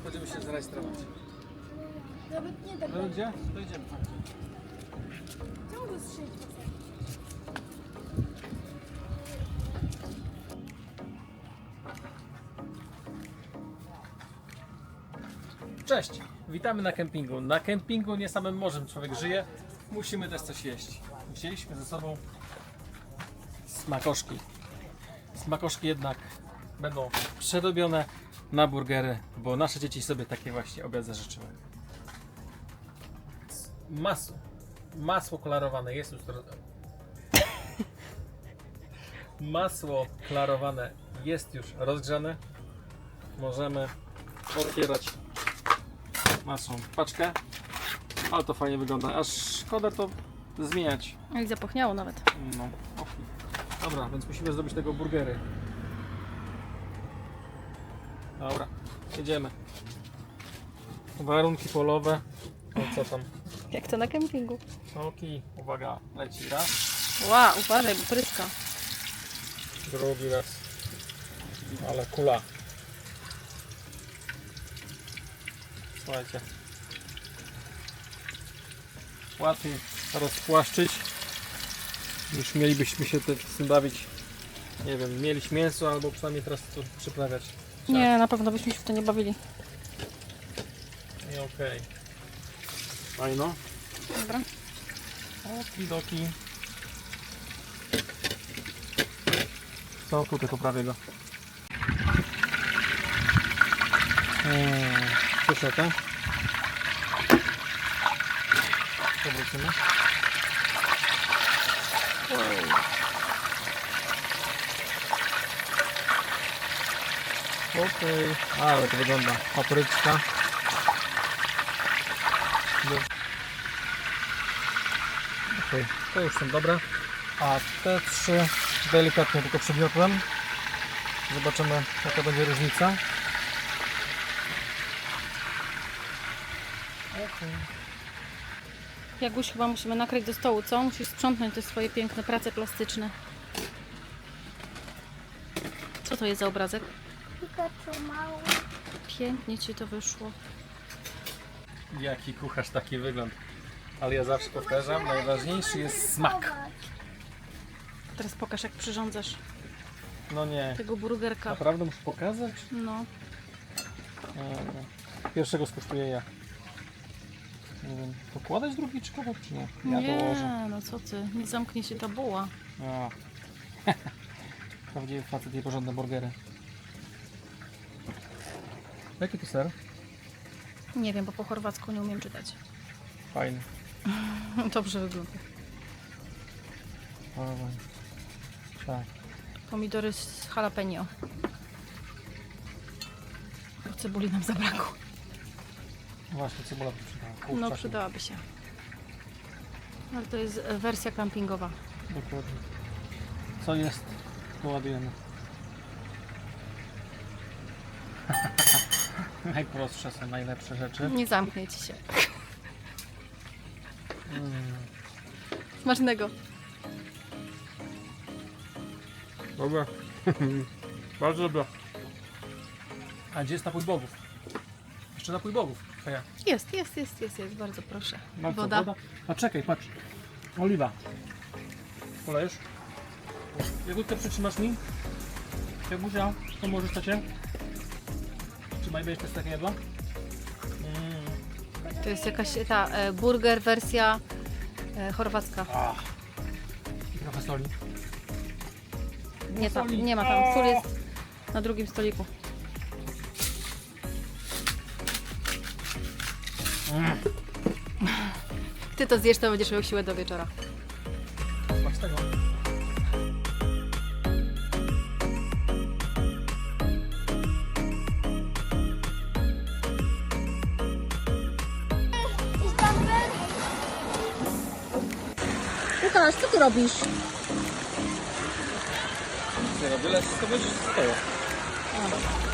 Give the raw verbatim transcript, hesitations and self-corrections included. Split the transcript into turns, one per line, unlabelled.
Będziemy się zarejestrować.
Nawet nie tak.
No gdzie? To idziemy.
Czemu go strzelić?
Cześć! Witamy na kempingu. Na kempingu nie samym morzem człowiek żyje. Musimy też coś jeść. Wzięliśmy ze sobą smakoszki. Smakoszki jednak będą przedobione na burgery, bo nasze dzieci sobie takie właśnie obiad zażyczyły. Masło. Masło klarowane jest już. Masło klarowane jest już rozgrzane. Możemy otwierać naszą paczkę. Ale to fajnie wygląda. Aż szkoda to zmieniać.
No i zapachniało nawet.
No, okay. Dobra, więc musimy zrobić tego burgery. Dobra, jedziemy. Warunki polowe. O co tam?
Jak to na kempingu.
Okej, uwaga, leci raz,
Ła, uważaj, bo pryska.
drugi raz. Ale kula. Słuchajcie. Łatwiej rozpłaszczyć niż mielibyśmy się te- z tym bawić. Nie wiem, mielić mięso albo przynajmniej teraz to przyprawiać.
Nie, na pewno byśmy się w to nie bawili.
I okej. Fajno.
Dobra.
Okidoki. Co tutaj poprawię go? Eee, Słyszę to? Powrócimy. Wow. Okej, ale to wygląda. Papryczka. Okej, to już są dobre. A te trzy delikatnie tylko przygniotłem. Zobaczymy, jaka będzie różnica. Okay.
Jaguś, chyba musimy nakryć do stołu, co? Musisz sprzątnąć te swoje piękne prace plastyczne. Co to jest za obrazek?
Pikachu mało.
Pięknie ci to wyszło.
Jaki kucharz, taki wygląd. Ale ja zawsze powtarzam, najważniejszy jest smak.
Teraz pokaż, jak przyrządzasz
No nie,
tego burgerka.
naprawdę muszę pokazać?
No.
Eee, Pierwszego skosztuję ja. Nie wiem, pokładać drugi czy kogo, czy nie? Ja
Nie,
dołożę.
no co ty, nie zamknie się ta buła.
A. Prawdziwy facet i porządne burgery. Jaki to ser?
Nie wiem, bo po chorwacku nie umiem czytać.
Fajny.
Dobrze wygląda.
Dawaj. Tak.
Pomidory z jalapeno. Bo cebuli nam zabrakło.
Właśnie, cebula by przydała. Kurczaki.
No przydałaby się. Ale to jest e, wersja campingowa.
Dokładnie. Co jest? To ładujemy. Najprostsze są najlepsze rzeczy.
Nie zamknie ci się.
Mm.
Smacznego.
Dobra. Bardzo dobra. A gdzie jest napój bogów? Jeszcze napój bogów. Heja.
Jest, jest, jest, jest, jest. Bardzo proszę.
No co,
Woda.
woda? A czekaj, patrz. Oliwa. Polejesz? Jagódkę przytrzymasz mi? Jagusia, to możesz tacie? Trzymaj, będziesz też takie jadła? Mm.
To jest jakaś ta e, burger wersja e, chorwacka.
Ach. I trochę soli.
Nie, tam,
soli.
nie ma tam. Sól jest na drugim stoliku.
Mm.
Ty to zjesz, to będziesz miał siłę do wieczora.
Smak z tego.
Łukasz, co ty robisz?
Nie no, byle wszystko będzie stoło.